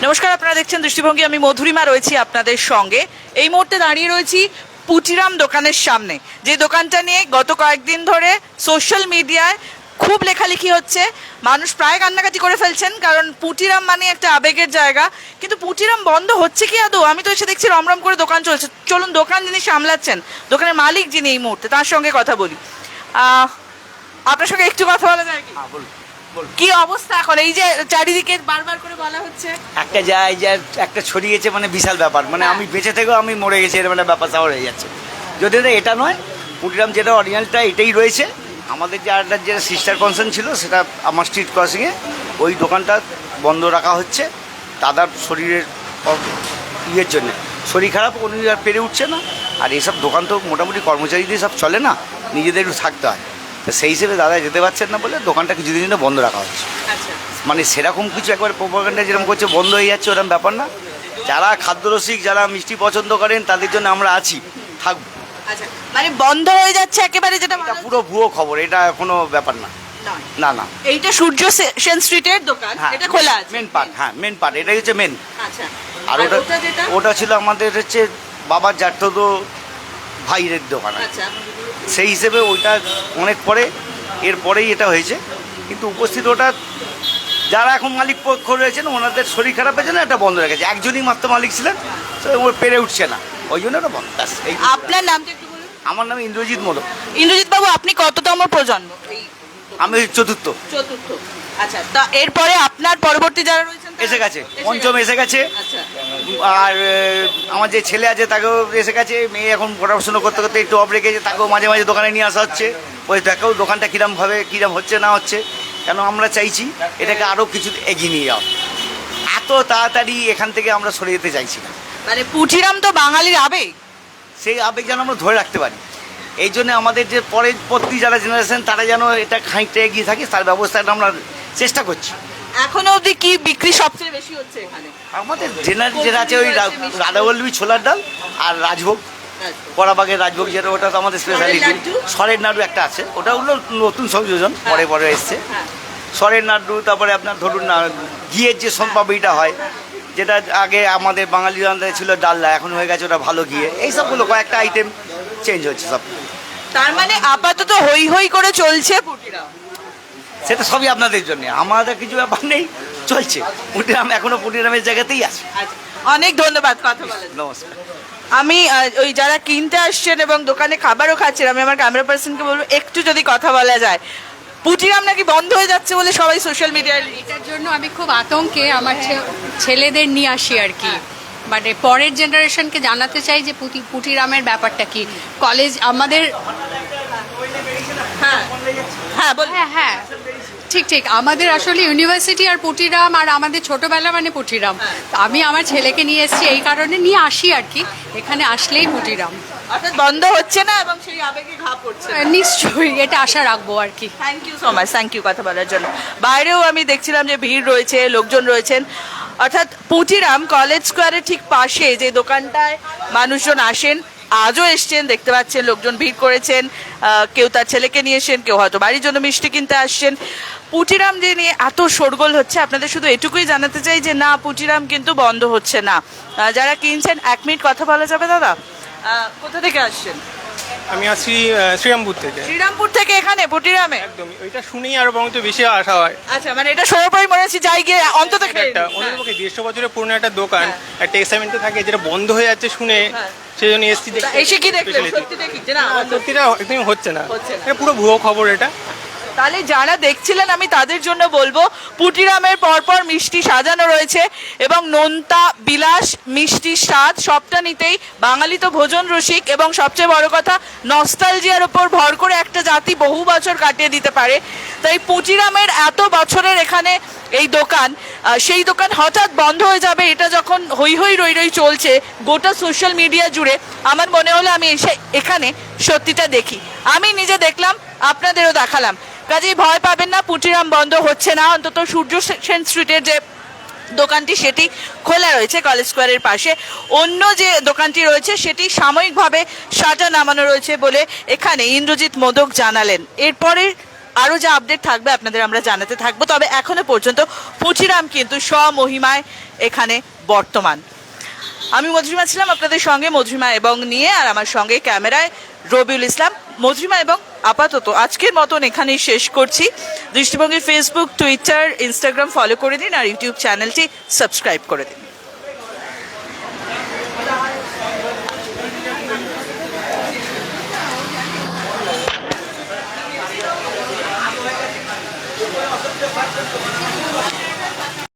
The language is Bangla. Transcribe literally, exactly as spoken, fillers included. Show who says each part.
Speaker 1: নমস্কার, আপনারা দেখছেন দৃষ্টিভঙ্গি। আমি মধুরিমা রয়েছি আপনাদের সঙ্গে। এই মুহূর্তে দাঁড়িয়ে রয়েছি পুটিরাম দোকানের সামনে, যে দোকানটা নিয়ে গত কয়েকদিন ধরে সোশ্যাল মিডিয়ায় খুব লেখালেখি হচ্ছে। মানুষ প্রায় কান্নাকাটি করে ফেলছেন, কারণ পুটিরাম মানে একটা আবেগের জায়গা। কিন্তু পুটিরাম বন্ধ হচ্ছে কি আদৌ? আমি তো এসে দেখছি রমরম করে দোকান চলছে। চলুন দোকান যিনি সামলাচ্ছেন, দোকানের মালিক যিনি এই মুহূর্তে, তার সঙ্গে কথা বলি। আহ, আপনার সঙ্গে একটু কথা বলা যায় কি? কি অবস্থা এখন, এই যে চারিদিকে বারবার করে বলা হচ্ছে
Speaker 2: একটা যায় যে একটা ছড়িয়েছে, মানে বিশাল ব্যাপার, মানে আমি বেঁচে থেকেও আমি মরে গেছি, এরকম একটা ব্যাপার স্যাপার হয়ে যাচ্ছে। যদি না এটা নয়, পুটিরাম যেটা অরিজিনালটা এটাই রয়েছে। আমাদের যে আরেকটা যেটা সিস্টার কনসার্ন ছিল, সেটা আমার স্ট্রিট ক্রসিংয়ে ওই দোকানটা বন্ধ রাখা হচ্ছে দাদার শরীরের অ- ইয়ের জন্য। শরীর খারাপ, উনি আর পেরে উঠছে না। আর এসব দোকান তো মোটামুটি কর্মচারী দিয়ে সব চলে না, নিজেদের একটু থাকতে হয়। তো সেই হিসেবে দাদা যেতে পারছেন না বলে দোকানটা কিছুদিন জন্য বন্ধ রাখা হচ্ছে।
Speaker 1: আচ্ছা,
Speaker 2: মানে সেরকম কিছু একবার প্রোপাগান্ডা যেরকম করছে বন্ধ হয়ে যাচ্ছে, ওরকম ব্যাপার না। যারা খাদ্যরসিক, যারা মিষ্টি পছন্দ করেন, তাদের জন্য আমরা আছি, থাকবো।
Speaker 1: আচ্ছা, মানে বন্ধ হয়ে যাচ্ছে একেবারে, যেটা
Speaker 2: এটা পুরো ভুয়ো খবর, এটা কোনো ব্যাপার না।
Speaker 1: নয়।
Speaker 2: না না,
Speaker 1: এইটা সূর্য সে- সেন স্ট্রিটের দোকান,
Speaker 2: হ্যাঁ,
Speaker 1: এটা খোলা আছে।
Speaker 2: মেন পার্ট, হ্যাঁ মেন পার্ট, এটাই হচ্ছে মেন।
Speaker 1: আচ্ছা,
Speaker 2: আর ওটা ওটা ছিল আমাদের হচ্ছে বাবার জ্যাঠতো ভাইয়ের দোকান আর কি।
Speaker 1: আচ্ছা,
Speaker 2: সেই হিসেবে ওইটা অনেক পরে, এরপরেই এটা হয়েছে। কিন্তু উপস্থিত ওটা যারা এখন মালিক পক্ষ রয়েছেন, ওনাদের শরীর খারাপের জন্য এটা বন্ধ রেখেছে। একজনই মাত্র মালিক ছিলেন, তো ও পেরে উঠছে না, ওই জন্য ওটা বন্ধ। ব্যাস, এই।
Speaker 1: আপনার নামটা একটু বলুন।
Speaker 2: আমার নাম ইন্দ্রজিৎ মোদক,
Speaker 1: ইন্দ্রজিৎ বাবু, আপনি কততম প্রজন্ম? এই
Speaker 2: আমি চতুর্থ।
Speaker 1: চতুর্থ। আচ্ছা, তা এরপরে আপনার পরবর্তী যারা রয়েছেন তারা-
Speaker 2: এসে গেছে, পঞ্চম এসে গেছে।
Speaker 1: আচ্ছা,
Speaker 2: আর আহ, আমার যে ছেলে আছে তাকেও এসে গেছে। মেয়ে এখন পড়াশোনা করতে করতে একটু অফ রেখেছে, তাকেও মাঝে মাঝে দোকানে নিয়ে আসা হচ্ছে। ওই দেখেও দোকানটা কীরমভাবে কীরম হচ্ছে না হচ্ছে। কেন আমরা চাইছি এটাকে আরও কিছু এগিয়ে নিয়ে যাওয়া। এত তাড়াতাড়ি এখান থেকে আমরা সরে যেতে চাইছি না।
Speaker 1: মানে পুটিরাম তো বাঙালির আবেগ।
Speaker 2: সেই আবেগ যেন আমরা ধরে রাখতে পারি। এই জন্য আমাদের যে পরের পরবর্তী যারা জেনারেশন, তারা যেন এটা খানিকটা এগিয়ে থাকে, তার ব্যবস্থাটা আমরা চেষ্টা করছি।
Speaker 1: এখনো অবধি কি বিক্রি সবচেয়ে বেশি হচ্ছে এখানে?
Speaker 2: আমাদের জেনারেল যেটা আছে ওই রা- রাধাবল্লভী ছোলার ডাল আর রাজভোগ, কড়াবাগের রাজভোগ, যেটা ওটা তো আমাদের স্পেশালিটি।
Speaker 1: লাড্ডু?
Speaker 2: সরের নাড়ু একটা আছে, ওটা হলো নতুন সংযোজন, পরে পরে এসছে।
Speaker 1: হ্যাঁ।
Speaker 2: সরের নাড়ু, তারপরে আপনার ধরুন না ঘিয়ের যে সোনপাপড়িটা হয়, যেটা আগে আমাদের বাঙালি রান্নায় ছিল ডালনা, এখন হয়ে গেছে ওটা ভালো ঘিয়ে। এই সবগুলো কয়েকটা আইটেম চেঞ্জ হচ্ছে সব।
Speaker 1: তার মানে আপাতত হই হই করে চলছে পুটিরাম।
Speaker 2: সেটা সবই আপনাদের জন্য, আমাদের কিছু ব্যাপার নেই, চলছে। পুটিরাম এখনো পুটিরামের জায়গাতেই আছে।
Speaker 1: আচ্ছা, অনেক ধন্যবাদ কথা বলার জন্য।
Speaker 2: নমস্কার।
Speaker 1: আমি আহ, ওই যারা কিনতে আসছেন এবং দোকানে খাবারও খাচ্ছেন, আমি আমার ক্যামেরা পার্সনকে বলবো একটু যদি কথা বলা যায়। পুটিরাম নাকি বন্ধ হয়ে যাচ্ছে বলে সবাই সোশ্যাল মিডিয়ায়।
Speaker 3: এটার জন্য আমি খুব আতঙ্কে আমার ছে- ছেলেদের নিয়ে আসি আর কি। মানে পরের জেনারেশনকে জানাতে চাই যে পুটি পুটিরামের ব্যাপারটা কি। কলেজ আমাদের,
Speaker 1: হ্যাঁ হ্যাঁ বলুন।
Speaker 3: হ্যাঁ হ্যাঁ ঠিক ঠিক, আমাদের আসলে ইউনিভার্সিটি আর পুটিরাম, আর আমাদের ছোটবেলা মানে পুটিরাম। তো আমি আমার ছেলেকে নিয়ে এসেছি এই কারণে, নিয়ে আসি আর কি, এখানে আসলেই পুটিরাম।
Speaker 1: অর্থাৎ বন্ধ হচ্ছে না এবং সেই আবেগে ঘা পড়ছে না।
Speaker 3: নিশ্চয়ই এটা আশা রাখবো আর কি।
Speaker 1: Thank you so much, thank you কথা বলার জন্য। বাইরেও আমি দেখছিলাম যে ভিড় রয়েছে, লোকজন রয়েছেন। অর্থাৎ পুটিরাম কলেজ স্কোয়ারের ঠিক পাশে যে দোকানটায় মানুষজন আসেন, আজও এসছেন, দেখতে পাচ্ছেন লোকজন ভিড় করেছেন। আহ, কেউ তার ছেলেকে নিয়ে এসেছেন, কেউ হয়তো বাড়ির জন্য মিষ্টি কিনতে আসছেন। পুটিরাম যে নিয়ে এত শোরগোল হচ্ছে, আপনাদের শুধু এটুকুই জানাতে চাই যে না, পুটিরাম কিন্তু বন্ধ হচ্ছে না। আহ, যারা কিনছেন, এক মিনিট কথা বলা যাবে দাদা? আহ, কোথা থেকে আসছেন?
Speaker 4: আমি আসছি আহ, শ্রীরামপুর থেকে।
Speaker 1: শ্রীরামপুর থেকে এখানে পুটিরামে?
Speaker 4: একদমই, ওইটা শুনেই আরো বরং বেশি আশা হয়।
Speaker 1: আচ্ছা, মানে এটা সর্বোপরি মনে হচ্ছে যাই গিয়ে অন্তত খেয়ে
Speaker 4: একটা
Speaker 1: নিই।
Speaker 4: অন্যপক্ষে দেড়শো বছরের পুরনো একটা দোকান,
Speaker 1: হ্যাঁ।
Speaker 4: একটা এক্সাইটমেন্ট থাকে, যেটা বন্ধ হয়ে যাচ্ছে শুনে,
Speaker 1: হ্যাঁ।
Speaker 4: সেই জন্য এসছি
Speaker 1: তা
Speaker 4: দেখতে।
Speaker 1: এসে কি দেখলেন?
Speaker 4: speciality।
Speaker 1: সত্যি দেখি যে না,
Speaker 4: না, সত্যিটা একদমই হচ্ছে না,
Speaker 1: হচ্ছে না।
Speaker 4: এটা পুরো ভুয়ো খবর এটা।
Speaker 1: তাহলে যারা দেখছিলেন, আমি তাদের জন্য বলবো পুটিরামের পরপর মিষ্টি সাজানো রয়েছে এবং নোনতা বিলাস মিষ্টির স্বাদ সবটা নিতেই বাঙালি তো ভোজন রসিক, এবং সবচেয়ে বড় কথা নস্টালজিয়ার ওপর ভর করে একটা জাতি বহু বছর কাটিয়ে দিতে পারে। তাই পুটিরামের এত বছরের এখানে এই দোকান, আহ, সেই দোকান হঠাৎ বন্ধ হয়ে যাবে, এটা যখন হই হই রই রই চলছে গোটা সোশ্যাল মিডিয়া জুড়ে, আমার মনে হলো আমি এসে এখানে সত্যিটা দেখি। আমি নিজে দেখলাম, আপনাদেরও দেখালাম। কাজেই ভয় পাবেন না, পুটিরাম বন্ধ হচ্ছে না। অন্তত সূর্য সেন স্ট্রিটের যে দোকানটি সেটি খোলা রয়েছে কলেজ স্কোয়ারের পাশে। অন্য যে দোকানটি রয়েছে সেটি সাময়িকভাবে সাজা নামানো রয়েছে বলে এখানে ইন্দ্রজিৎ মোদক জানালেন। এরপরে আরও যা আপডেট থাকবে আপনাদের আমরা জানাতে থাকবো। তবে এখনো পর্যন্ত পুচিরাম কিন্তু স্বমহিমায় এখানে বর্তমান। আমি মধুরিমা ছিলাম আপনাদের সঙ্গে, মধুরিমা এবং নিয়ে, আর আমার সঙ্গে ক্যামেরায় রবিউল ইসলাম। মধুরিমা এবং আপাতত আজকের মতন এখানেই শেষ করছি। দৃষ্টিভঙ্গি ফেসবুক, টুইটার, ইনস্টাগ্রাম ফলো করে দিন আর ইউটিউব চ্যানেলটি সাবস্ক্রাইব করে দিন।